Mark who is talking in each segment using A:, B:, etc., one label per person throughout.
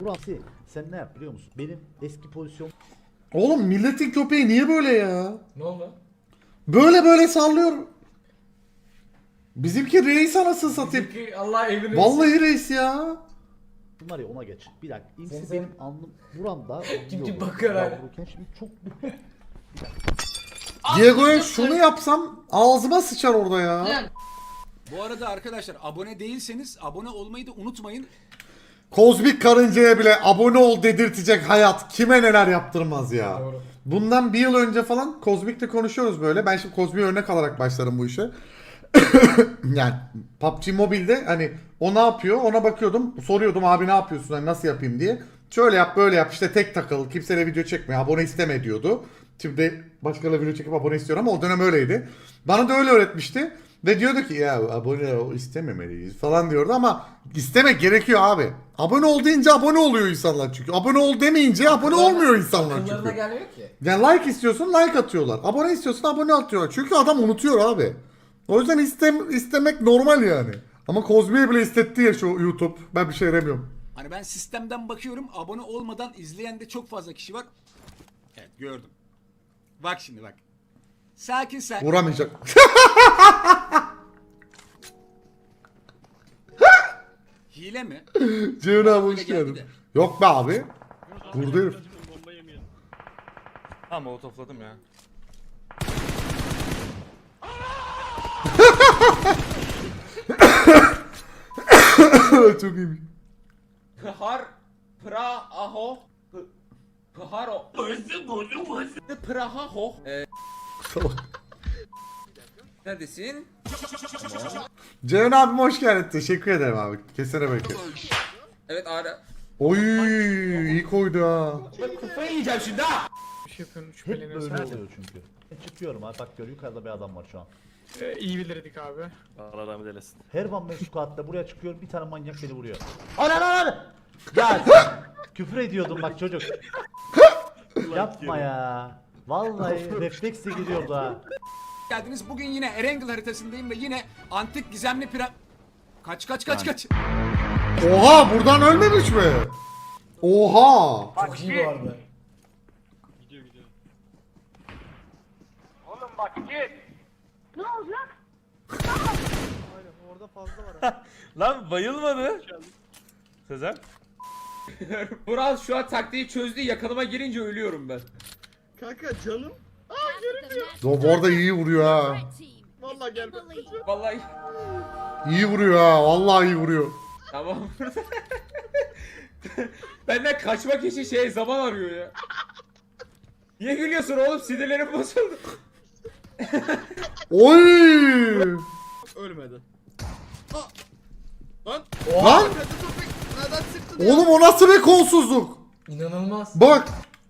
A: Burası sen ne yap biliyor musun? Benim eski pozisyon
B: Oğlum milletin köpeği niye böyle ya?
C: Ne oldu?
B: Böyle sallıyor. Bizimki reis anasını satayım.
C: Çünkü Allah evini
B: Vallahi reis ya.
A: var ya ona geç. Bir dakika.
C: Sen-
A: İmsi
C: sen-
A: benim alnım buramda.
C: Kim
A: yiyordu.
C: bakıyor hala?
A: Yavruyken şimdi çok
B: Diego'ya şunu yapsam ağzıma sıçar orada ya.
D: Bu arada arkadaşlar abone değilseniz abone olmayı da unutmayın.
B: Kozmik karıncaya bile abone ol dedirtecek hayat kime neler yaptırmaz ya.
C: Doğru.
B: Bundan bir yıl önce falan Kozmik'le konuşuyoruz böyle. Ben şimdi Kozmik'e örnek alarak başlarım bu işe. Yani PUBG Mobile'de hani o ne yapıyor ona bakıyordum. Soruyordum abi ne yapıyorsun hani nasıl yapayım diye. Şöyle yap böyle yap işte tek takıl kimseyle video çekme abone isteme diyordu. Şimdi başkalarıyla video çekip abone istiyor ama o dönem öyleydi. Bana da öyle öğretmişti. Ve diyordu ki ya abone istememeliyiz falan diyordu ama istemek gerekiyor abi. Abone ol deyince abone oluyor insanlar çünkü. Abone ol demeyince abone olmuyor insanlar
C: Akıllarına
B: çünkü.
C: gelmiyor ki.
B: Yani like istiyorsun like atıyorlar. Abone istiyorsun abone atıyorlar. Çünkü adam unutuyor abi. O yüzden istemek normal yani. Ama Kozmi'ye bile istetti ya şu YouTube. Ben bir şey demiyorum.
D: Hani ben sistemden bakıyorum abone olmadan izleyen de çok fazla kişi var. Evet gördüm. Bak şimdi bak. Sakin sakin.
B: Vuramayacak.
D: Hile mi?
B: Ceyhun abi hoş
D: Öyle geldi
B: geldin.
D: de.
B: Yok be abi. Vurdu herif.
E: Ha molotofladım ya.
B: Çok iyiymiş.
C: Pıhar Praho Pıharo Praho
B: Salak.
C: Neredesin?
B: Ceyhun abim hoş geldin. Teşekkür ederim abi. Kesene belki.
C: Evet ara.
B: Oy iyi koydu ha.
C: Ben kafayı yiyeceğim şimdi ha.
F: Bir şey yapıyorum,
A: hep
F: şüpheleniyorsun.
A: böyle oluyor çünkü. Ben çıkıyorum ha bak gör yukarıda bir adam var şu an.
F: İyi bilirdik abi.
E: Allah rahmet eylesin.
A: Her van ben squat'ta buraya çıkıyorum bir tane manyak beni vuruyor. Ana! Ya küfür ediyordum bak çocuk. Yapma ya. Vallahi refleksle giriyordu ha.
D: Geldiniz. Bugün yine Erangel haritasındayım ve yine antik gizemli Kaç.
B: Oha buradan ölmemiş mi? Oha.
C: Çok iyi bu arada.
E: Lan bayılmadı. Sezer.
C: Vural şu an taktiği çözdü. Yakınıma girince ölüyorum ben.
B: O bu arada iyi vuruyor ha.
C: Vallahi
B: İyi vuruyor ha. Vallahi iyi vuruyor.
C: tamam. Benden kaçmak için zaman arıyor ya. Niye gülüyorsun oğlum? Sinirlerim bozuldu.
B: Oy!
G: Ölmedi.
B: Lan! Oğlum o nasıl bir kolsuzluk?
C: İnanılmaz.
B: Bak.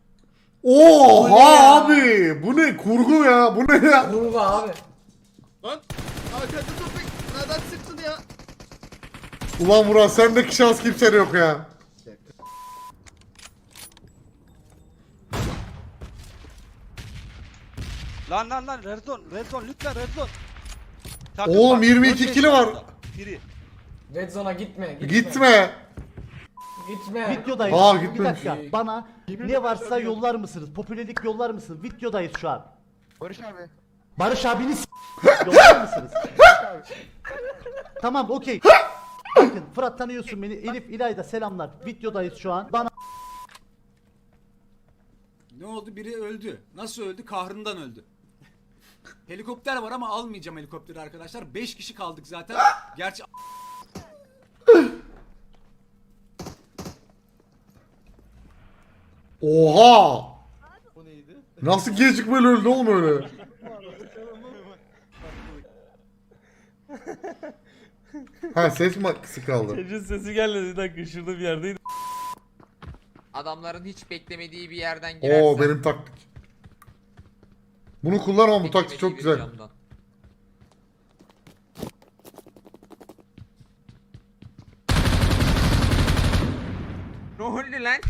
B: Oha abi. Bu ne kurgu ya? Bu ne ya?
C: Kurba abi.
G: Lan arkada topik nereden çıktın ya?
B: Ulan Murat sendeki şans kimsede yok ya.
H: Lan red zone lütfen red zone. Takım
B: Oğlum
H: var,
B: 22
H: dört
B: kilo
H: beş
B: var.
H: orada. Biri.
C: Red Zone'a gitme.
B: Gitme.
C: Gitme.
A: Videodayız.
B: Aa,
A: Bir
B: gitmemiş.
A: dakika bana ne varsa yollar mısınız? Popülerlik yollar mısınız? Videodayız şu an.
F: Barış abi.
A: Barış abini yollar mısınız? Tamam okey. Bakın Fırat tanıyorsun beni. Elif İlayda selamlar. Videodayız şu an. Bana
D: Ne oldu? Biri öldü. Nasıl öldü? Kahrından öldü. Helikopter var ama almayacağım helikopteri arkadaşlar. 5 kişi kaldık zaten. Gerçi
B: Oha. Nasıl gecikmeli öldü oğlum öyle? Ha ses mi kısık kaldı?
E: Çocuğun sesi gelmedi. Bir dakika şurada bir yerdeydi.
I: Adamların hiç beklemediği bir yerden girersen.
B: Oo benim taktik. Bunu kullanamam bu taktik çok
I: beklemediği bir
B: güzel.
I: camdan. Ne oldu lan?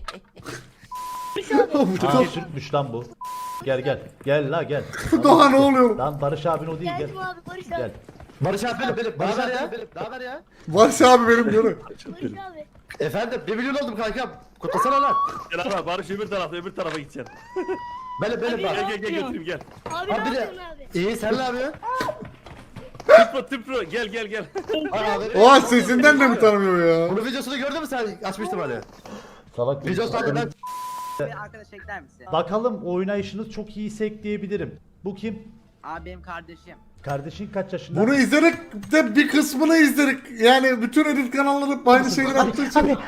B: Bu
A: Aa,
B: çok-
A: Türkmüş lan bu. Gel. Gel la gel.
B: Daha ne oluyor?
A: Lan Barış abin o değil gel.
J: Geldim abi Barış abi.
A: Gel.
J: Barış abi benim. Daha ver ya. Daha ver ya.
B: Barış abi benim diyorum.
J: Efendim 1 milyon oldum kankam. Kutlasana lan.
E: Gel abi Barış öbür tarafa gideceksin.
J: Benim bak.
E: Gel götüreyim gel.
H: Abi
J: Abi de. İyi sen ne yapıyorsun?
E: Tıpro gel.
J: Abi.
B: Oha sesinden de mi tanımıyor ya?
J: Bunun videosunu gördün mü sen? Açmıştım hani.
A: Salak bir
J: Videosu hakkında
H: Arkadaş ekler misin?
A: Bakalım oynayışınız çok iyiyse ekleyebilirim. Bu kim?
H: Abi benim kardeşim.
A: Kardeşin kaç yaşında?
B: Bunu izledik de bir kısmını izledik. Yani bütün edit kanalları aynı şeyleri yaptığı için.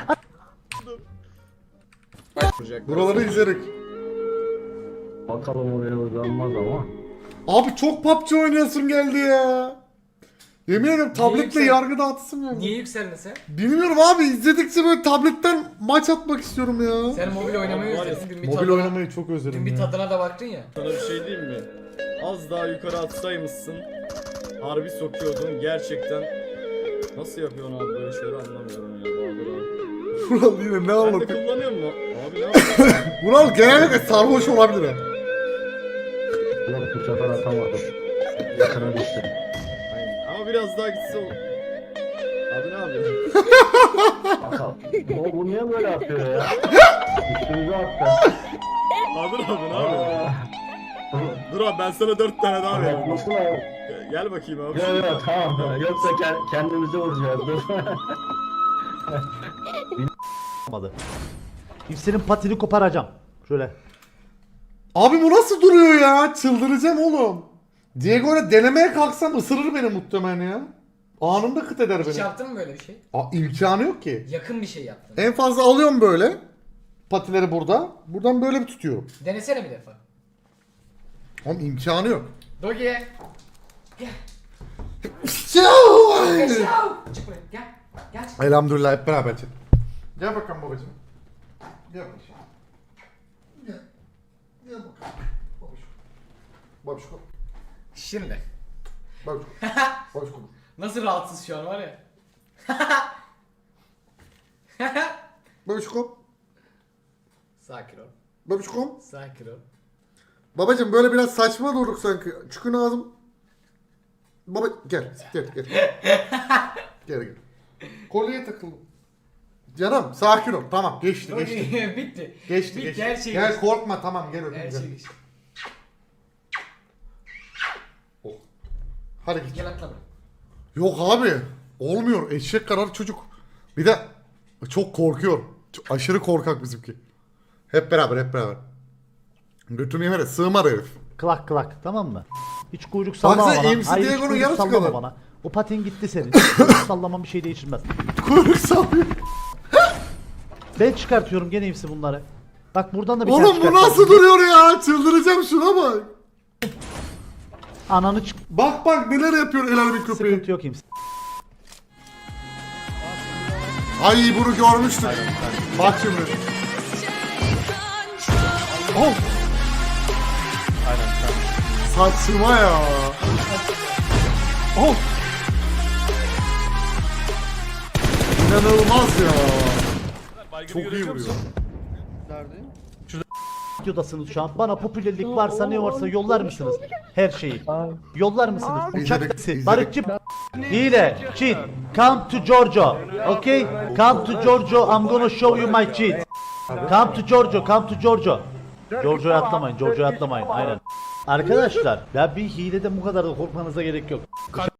B: Buraları izledik.
J: Bakalım o beni uzanmaz ama.
B: Abi çok PUBG oynayasım geldi ya. Yemin ederim tabletle yargı dağıtısım geldi.
C: Niye yükseldin sen?
B: Bilmiyorum abi izledikçe böyle tabletten maç atmak istiyorum ya.
C: Sen mobil oynamayı özledin. Dün bir
B: Mobil
C: tadına,
B: oynamayı çok özledim
C: dün bir
B: ya.
C: tadına da baktın ya.
K: Sana bir şey diyeyim mi? Az daha yukarı atsaymışsın. Harbi sokuyordun gerçekten. Nasıl yapıyorsun abi böyle şeyleri anlamıyorum ya Bahadır abi.
B: Vural yine ne
K: Ben de
B: anlatıyor?
K: kullanıyor mu? Abi ne yapıyorsun?
B: Vural genellikle sarhoş olabilir ha.
J: Yok bu sefer atamadım. Yakına düştüm.
K: Aynen. Ama biraz daha gitse olur. Abi ne yapıyorsun?
J: Bakalım. Bu niye böyle atıyor ya? Üstümüze attı.
K: Bahadır abi ne yapıyorsun? Dur abi ben sana 4 tane daha vereyim.
J: Nasıl abi?
K: Gel bakayım abi.
J: Yok yok tamam. Yoksa kendimize vuracağız. Dur.
A: Olmadı. Hepsinin patini koparacağım. Şöyle.
B: Abi bu nasıl duruyor ya? Çıldıracağım oğlum. Diego'yla denemeye kalksam ısırır beni muhtemelen ya. Anında kıt eder
C: Hiç
B: beni.
C: yaptın mı böyle bir şey?
B: İmkanı yok ki.
C: Yakın bir şey yaptın.
B: En fazla alıyorum böyle. Patileri burada. Buradan böyle bir tutuyorum.
C: Denesene bir defa.
B: Oğlum imkanı yok.
C: Dogi. Çık buraya gel. Gel çık.
B: Elhamdülillah hep beraber çık. Gel bakalım babacığım. Gel babacığım. Gel. Gel bakalım. Babacığım. Babacığım.
C: Şimdi.
B: Babacığım. Babacığım.
C: Nasıl rahatsız şu an var ya.
B: Babacığım.
C: Sakin ol.
B: Babacığım.
C: Sakin ol.
B: Babacığım böyle biraz saçma durduk sanki. Çıkın ağzım. Baba gel. Gel. Gel. Kolyeye takıldım. Canım sakin ol. Tamam geçti.
C: Bitti.
B: Geçti.
C: Bitti her şey
B: Gel
C: geçti.
B: korkma tamam gel öpeyim.
C: Her
B: Gel.
C: şey geçti.
B: Oh. Hadi git.
C: Gel atla buraya.
B: Yok abi. Olmuyor. Eşek kadar çocuk. Bir de çok korkuyor. Aşırı korkak bizimki. Hep beraber. Götünü yemere sığmar herif.
A: Klak tamam mı? Hiç kuyruk sallama
B: Baksana,
A: bana.
B: MC
A: Hayır hiç
B: Diego'nun
A: kuyruk
B: yarısı
A: sallama
B: kadar.
A: bana. O patin gitti senin. Kuyruk sallaman bir şey değiştirmez.
B: Kuyruk sallıyor.
A: Ben çıkartıyorum gene hepsi bunları. Bak buradan da bir
B: Oğlum
A: tane
B: bu
A: çıkartacağım.
B: nasıl duruyor ya? Çıldıracağım şuna bak.
A: Ananı çık.
B: Bak neler yapıyor el alemin köpeği.
A: Sıkıntı yok kimse.
B: Ay bunu görmüştük. Bak şimdi. Oh. Saçma ya. Oh. İnanılmaz ya. Çok iyi vuruyor.
A: Videodasınız şu an. Bana popülerlik varsa ne varsa yollar mısınız? Her şeyi. Yollar mısınız? Uçak
B: İzledik,
A: taksi.
B: izledik.
A: Barışçı. Hile. Cheat. Come to Giorgio. Okay? Come to Giorgio. I'm gonna show you my cheat. Come to Giorgio. Come to Giorgio. Giorgio'ya atlamayın. Giorgio'ya atlamayın. Aynen. Arkadaşlar ya bir hilede bu kadar da korkmanıza gerek yok.